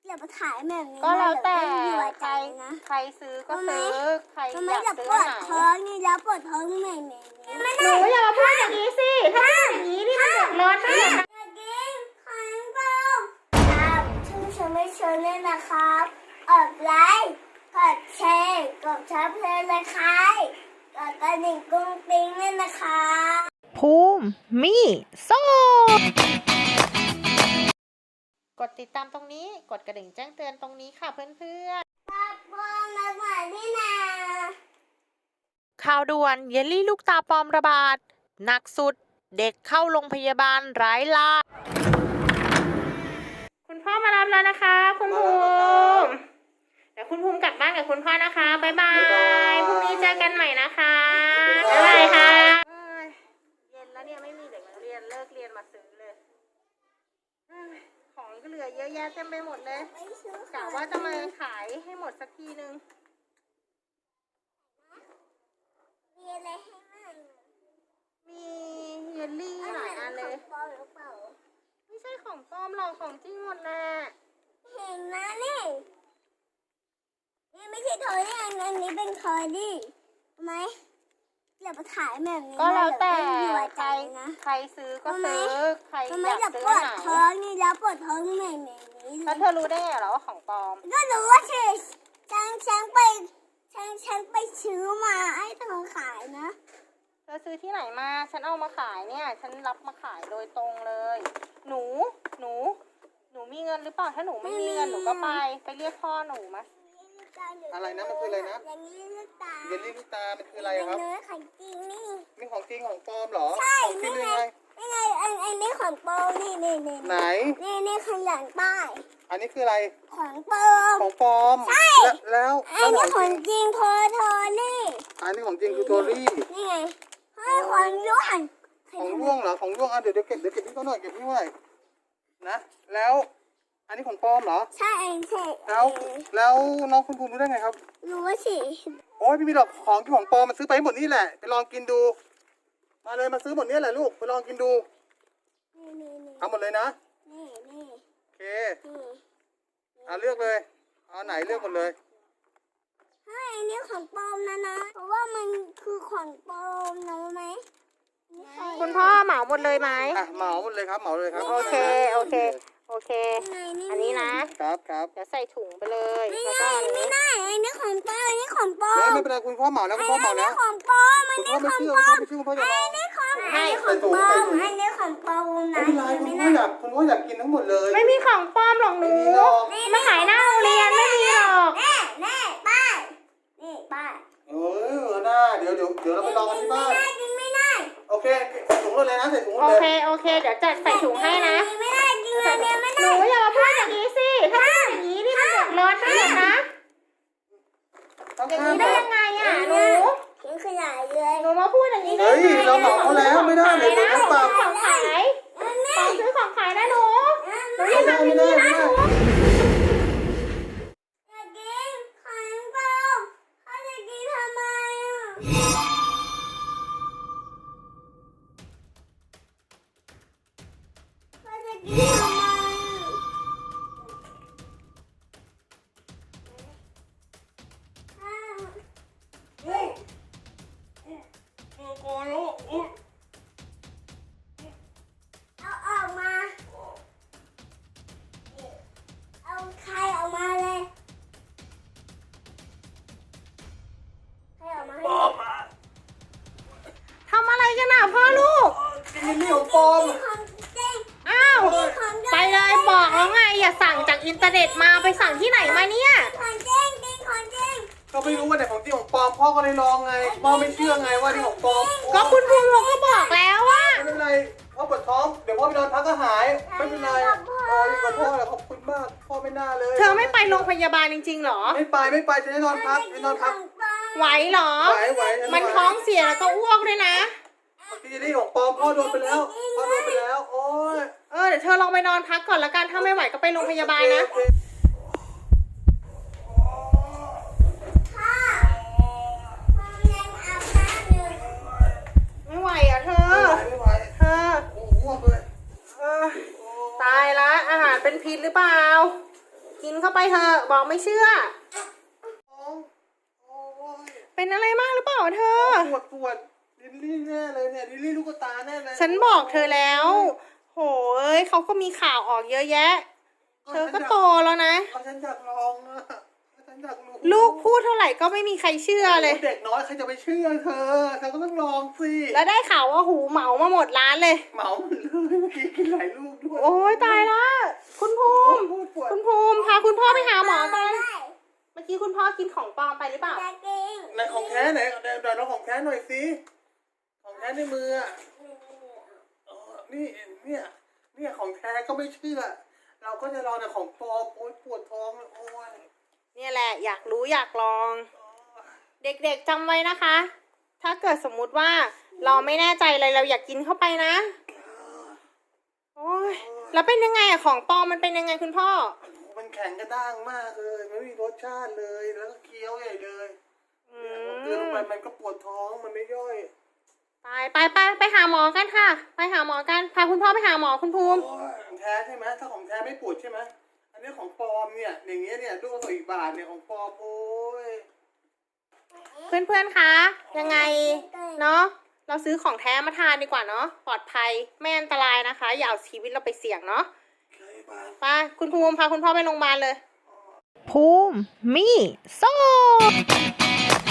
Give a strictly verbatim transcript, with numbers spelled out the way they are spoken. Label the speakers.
Speaker 1: อย่ามาถ่ายแบบนี้
Speaker 2: ก็แล้วแต่
Speaker 1: ใค
Speaker 2: ใค
Speaker 1: ร
Speaker 2: ร
Speaker 1: นะ
Speaker 2: ใครซื้อก็ซื้อใคร
Speaker 1: ทำ
Speaker 2: อ
Speaker 1: ไม
Speaker 2: ยาก
Speaker 1: จะ
Speaker 2: ซื้
Speaker 1: ป
Speaker 2: อ
Speaker 1: วด
Speaker 2: ไหน
Speaker 1: ท้องนี่แล้วปวดท้องแม่แม่
Speaker 2: หนูอย่ามาพูดอย่างนี้สิถ้าพูดอย่างนี้นี่มันเดือดร้อนนะ
Speaker 1: อยากกินของเปล่าครับชื่อชมไม่ชมเลยนะครับกดไลค์กดแชร์กดชับเลยนะครับกดกระดิ่งกุ้งปิ้งเลยนะคะ
Speaker 2: ภูมิมีโซ่กดติดตามตรงนี้กดกระดิ่งแจ้งเตือนตรงนี้ค่ะเพื่อนๆ
Speaker 1: ตาปองมาหวานนี่นา
Speaker 2: ข่าวด่วนเยลลี่ลูกตาปลอมระบาดหนักสุดเด็กเข้าโรงพยาบาลร้ายลาคุณพ่อมารับแล้วนะคะคุณภูมิเดี๋ยวคุณภูมิกลับบ้านกับคุณพ่อนะคะบ๊ายบายพรุ่งนี้เจอกันใหม่นะคะบ๊ายบายค่ะเย็นแล้วเนี่ยไม่มีเด็กนักเรียนเลิกเรียนมาซื้อเลยของก็เหลือเยอะแยะเต็มไปหมดเลยกะว่าจะมาขายให้หมดสักทีนึง
Speaker 1: มีอะไรให้มั่ง
Speaker 2: มีเยลลี่หลายอันเลย
Speaker 1: ปลอมหรือเปล่า
Speaker 2: ไม่ใช่ของปลอมหรอกของจริงหมดแหละ
Speaker 1: เห็นนะนี่นี่ไม่ใช่ทอยนี่อันอันนี้เป็นทอยดิทำไมอย่ามาถ่ายแบบนี้
Speaker 2: ก็แล้วแต่
Speaker 1: ใค
Speaker 2: ใค
Speaker 1: ร
Speaker 2: ร
Speaker 1: นะ
Speaker 2: ใครซื้อก็ซื้อใคร
Speaker 1: ทำไม
Speaker 2: อยาก
Speaker 1: จะ
Speaker 2: ซื้
Speaker 1: ป
Speaker 2: อ
Speaker 1: วด
Speaker 2: ไหน
Speaker 1: ท้องนี่แล้วปวดท้องแม่แม่นี้เล
Speaker 2: แล้ว
Speaker 1: ย
Speaker 2: เธอรู้ได้ไงเหรอว่าของปลอม
Speaker 1: ก็รู้ว่าฉันฉันฉันไปฉันฉันไปซื้อมาให้เธอขายนะ
Speaker 2: เธอซื้อที่ไหนมาฉันเอามาขายเนี่ยฉันรับมาขายโดยตรงเลย หนูหนูหนูมีเงินหรือเปล่าถ้าหนูไม่มีเงินหนูก็ไปไปเรียกพ่อหนูมา
Speaker 3: อะไรนะมันคืออะไรนะ
Speaker 1: อย่างนี้ลูกตา
Speaker 3: เยลลี่ลูกตา มันคืออะไรครับ
Speaker 1: เนื้อของจริงนี่
Speaker 3: นี่ของจริงของปลอมเหรอ
Speaker 1: ใช่
Speaker 3: ของจริ
Speaker 1: นี่
Speaker 3: ง
Speaker 1: ไง
Speaker 3: ยังไง
Speaker 1: นี่ไงอันอันนี้ของปลอมนี่นี่นี่
Speaker 3: ไหน
Speaker 1: นี่นี่ขยันป้าย
Speaker 3: อันนี้คืออะไร
Speaker 1: ของปลอม
Speaker 3: ของปลอม
Speaker 1: ใช่
Speaker 3: แล้ว
Speaker 1: อั
Speaker 3: แล้ว
Speaker 1: น
Speaker 3: แล้ว
Speaker 1: นี้
Speaker 3: ข
Speaker 1: ข
Speaker 3: อ
Speaker 1: อง ง
Speaker 3: จริง
Speaker 1: จริงโทรโทรนี่
Speaker 3: อันนี้ของจริงคือโทรี่
Speaker 1: นี่ไงให้ของย้วน
Speaker 3: ของร่วงเหรอ ของร่วงอ่ะเดี๋ยวเดี๋ยวเก็บเดี๋ยวเก็บพี่เขาหน่อยเก็บพี่เขาหน่อยนะ แล้ว อันนี้ของปลอมเหรอ
Speaker 1: ใช่เองใช่
Speaker 3: แล้ว แล้วน้องคุณภูมิรู้ได้ไงครับ
Speaker 1: รู้ว่าสิ
Speaker 3: โอ้ยไม่มีหรอกของที่ของปลอมมันซื้อไปให้หมดนี่แหละ ไปลองกินดู มาเลยมาซื้อหมดนี่แหละลูก ไปลองกินดู
Speaker 1: นี่นี่นี่
Speaker 3: เอาหมดเลยนะ
Speaker 1: นี่นี่
Speaker 3: โอเค
Speaker 1: นี่
Speaker 3: เอาเลือกเลย เอาไหนเลือกหมดเลย
Speaker 1: ให้อันนี้ของปลอมนะนะ เพราะว่ามันคือของปลอมนะรู้ไหม
Speaker 2: คุณพ่อเหมาหมดเลยไหม
Speaker 3: อ่ะเหมาหมดเลยครับเหมาเลยครับ
Speaker 2: โอเคโอเคโอเค
Speaker 1: นี่ไงนี่
Speaker 2: อันนี้นะ
Speaker 3: ครับครับ
Speaker 2: เดี๋ยวใส่ถุงไปเลย
Speaker 1: ไม่
Speaker 2: แล้วก็
Speaker 1: ได้
Speaker 2: อัน
Speaker 1: ไม่
Speaker 2: นี้
Speaker 1: ได้อันนี้ของปลอมอันนี้ของปลอ
Speaker 3: ไม่
Speaker 1: ม
Speaker 3: ไม่เป็นไรคุณพ่อเหมาแล้วคุณพ่อเหมา
Speaker 1: อัน
Speaker 3: แล้
Speaker 1: นี้
Speaker 3: ว
Speaker 1: ของปลอมอัน
Speaker 3: คุณ
Speaker 1: นี้
Speaker 3: พ่อ
Speaker 1: ข
Speaker 3: ไม่
Speaker 1: อง
Speaker 3: เชื่อ
Speaker 1: ปล
Speaker 3: คุณ
Speaker 1: อ
Speaker 3: พ่อ
Speaker 1: ม
Speaker 3: ไม่เชื่อคุณพ่อจะ
Speaker 1: อั
Speaker 3: ลอง
Speaker 1: นนี้ของอันนี้ของปลอมอันนี้ของปลอมนะ
Speaker 3: ไม่เป็นไรคุณพ่ออยากคุณพ่ออยากกินทั้งหมดเลย
Speaker 2: ไม่มีของปลอมหรอกหนู
Speaker 3: ไม่มีหรอก
Speaker 2: มาขายหน้าโรงเรียนไม่มีหรอก
Speaker 1: แน่แน่ป้ายนี่ป้าย
Speaker 3: เออน่าเดี๋ยวเดี๋ยวเดี๋ยวเราไปลองกันที่บ้าน
Speaker 1: ไม่ได้กินไม่ได้
Speaker 3: โอเคใส่ถุงเลยนะใส่ถุง
Speaker 2: โอ
Speaker 3: เลย
Speaker 2: เคโอเคเดี๋ยวจัดใส่ถุงให้นะ
Speaker 1: ไม่ได้กินอันนี้ไม่
Speaker 2: ห
Speaker 1: ได้
Speaker 2: นูอย่ามาพูดอย่างนี้สิถ้าพูดอย่างนี้นี่มันเดือดร้อนนะนะ
Speaker 3: ต้อง
Speaker 2: อย่าง
Speaker 3: ห้า
Speaker 2: นี้
Speaker 3: ม
Speaker 2: ได้ยังไงอ่ะหนู
Speaker 1: กินขยายเลย
Speaker 2: หนูมาพูดอย่างนี้ได้
Speaker 3: เฮ้ย
Speaker 2: ไง
Speaker 3: เราเหมาเขาแล้วไม่ได้เลยเขาปรับ
Speaker 2: ของขายของซื้อของขายนะหนูหนูอ
Speaker 3: ไม่
Speaker 2: ย่า
Speaker 3: ได้
Speaker 2: ทำอ
Speaker 3: ไม่
Speaker 2: ย่าง
Speaker 3: ได้
Speaker 2: นี้
Speaker 3: ไม่
Speaker 2: นะ
Speaker 3: ได้
Speaker 1: อยากกินของเปล่าเขาจะกินทำไมอ่ะเขาจะกินทำไม เอาออกมา เอาใครออกมาเลยใครออกมาให้หมด
Speaker 2: ทำอะไรกันอ่ะพ่อลูก
Speaker 3: กินเยลลี่ของปลอม
Speaker 1: กินของจริง
Speaker 2: อ้าว
Speaker 1: กินของจริง
Speaker 2: ไปเลยบอกแล้วไงอย่าสั่งจากอินเทอร์เน็ตมาไปสั่งที่ไหนมาเนี่ย
Speaker 1: ของจริงกินของจริง
Speaker 3: ก็ไม่รู้ว่าไหนของจริงของปลอมพ่อก็เลยลองไงพ่อไม่เชื่อไงว่าที่ของปลอม
Speaker 2: ก็คุณภูมิเขาก็บอกแล้วว่า
Speaker 3: ไม่เป็นไรพ่อปวดท้องเดี๋ยวพ่อไปนอนพักก็หายไม่เป็นไรพ่ออยู่กับพ่อแหละขอบคุณมากพ่อไม่น่าเลย
Speaker 2: เธอไม่ไปโรงพยาบาลจริงๆหรอ
Speaker 3: ไม่ไปไม่ไปจะได้นอนพักไปนอนพัก
Speaker 1: ของปลอม
Speaker 2: ไหวเหรอ
Speaker 3: ไหวไหวฉัไหว
Speaker 2: มันท้องเสียแล้วก็อ้วกด้วยนะ
Speaker 3: กินเยลลี่ของปลอมพ่อโดนไปแล้วพ่อโดนไปแล้วโอ้ย
Speaker 2: เออเดี๋ยวเธอลองไปนอนพักก่อนละกัน ถ้าไม่ไหวก็ไปโรงพยาบาลนะ
Speaker 3: โอเค
Speaker 1: พ่อพ่อยังอาบน้ำอยู่
Speaker 2: ไม่ไหวอ่ะเธอ
Speaker 3: ไม่ไหว
Speaker 2: เธอ
Speaker 3: โอ้โหอ้วกเลย
Speaker 2: เออตายละอาหารเป็นพิษหรือเปล่า กินเข้าไปเถอะบอกไม่เชื่อ
Speaker 3: ท้องโอ้ย
Speaker 2: เป็นอะไรมากหรือเปล่าเธอ
Speaker 3: ปวดปวดลิลลี่แน่เลยเนี่ยลิลลี่ลูกตาแน่เลย
Speaker 2: ฉันบอกเธอแล้ว โหเอ้ยเขาก็มีข่าวออกเยอะแยะ เธอก็โตแล้วนะ
Speaker 3: เอาฉันอยากลองอะฉันอยากรู้
Speaker 2: ลูกพูดเท่าไหร่ก็ไม่มีใครเชื่อเลย
Speaker 3: เด็กน้อยใครจะไปเชื่อเธอเธอก็ต้องลองสิ
Speaker 2: แล้วได้ข่าวว่าหูเหมามาหมดร้านเลย
Speaker 3: เหมาหมดเลยเมื่อกี้กินหลายลูกด้วย
Speaker 2: โอ้ยตายละคุณภูมิ
Speaker 3: ปวดปวด
Speaker 2: คุณภูมิพาคุณพ่อไปหาหมอกัน
Speaker 1: ได้
Speaker 2: เมื่อกี้คุณพ่อกินของปลอมไปหรือเปล่า
Speaker 1: จะกิน
Speaker 3: ไหนของแท้ไหนเดี๋ยวเดี๋ยวเราของแท้หน่อยสิของแท้ในมืออะอ๋อนี่เนี่ยเนี่ยของแท้ก็ไม่เชื่อ เราก็จะรอแต่ของปลอมโอ๊ยปวดท้องเลยโอ้ย
Speaker 2: เนี่ยแหละอยากรู้อยากลอง เด็กๆจำไว้นะคะ ถ้าเกิดสมมุติว่าเราไม่แน่ใจอะไรเราอยากกินเข้าไปนะ โอ้ยแล้วเป็นยังไงอะของปลอมมันเป็นยังไงคุณพ่อ
Speaker 3: มันแข็งกระด้างมากเลยไม่มีรสชาติเลยแล้วก็เคี้ยวใหญ่เลย
Speaker 2: อื
Speaker 3: เนี่ยพอเกลือลง
Speaker 2: ม
Speaker 3: ไปมันก็ปวดท้องมันไม่ย่อย
Speaker 2: ไปไปไปไปหาหมอกันค่ะ ไปหาหมอกันพาคุณพ่อไปหาหมอคุณภูมิ
Speaker 3: โอ้ยของแท้ใช่ไหมถ้าของแท้ไม่ปวดใช่ไหมอันนี้ของปลอมเนี่ยอย่างเงี้ยเนี่ยลูกละอีกบาทเนี่ยของปลอมโอ้ย
Speaker 2: เพื่อนๆ คะ ยังไงเนาะ เราซื้อของแท้มาทานดีกว่าเนาะ ปลอดภัย ไม่อันตรายนะคะ อย่าเอาชีวิตเราไปเสี่ยงเนาะ
Speaker 3: เคยบาท
Speaker 2: ไป คุณภูมิพาคุณพ่อไปโรงพยาบาลเลย
Speaker 4: ภูมิมีโซ่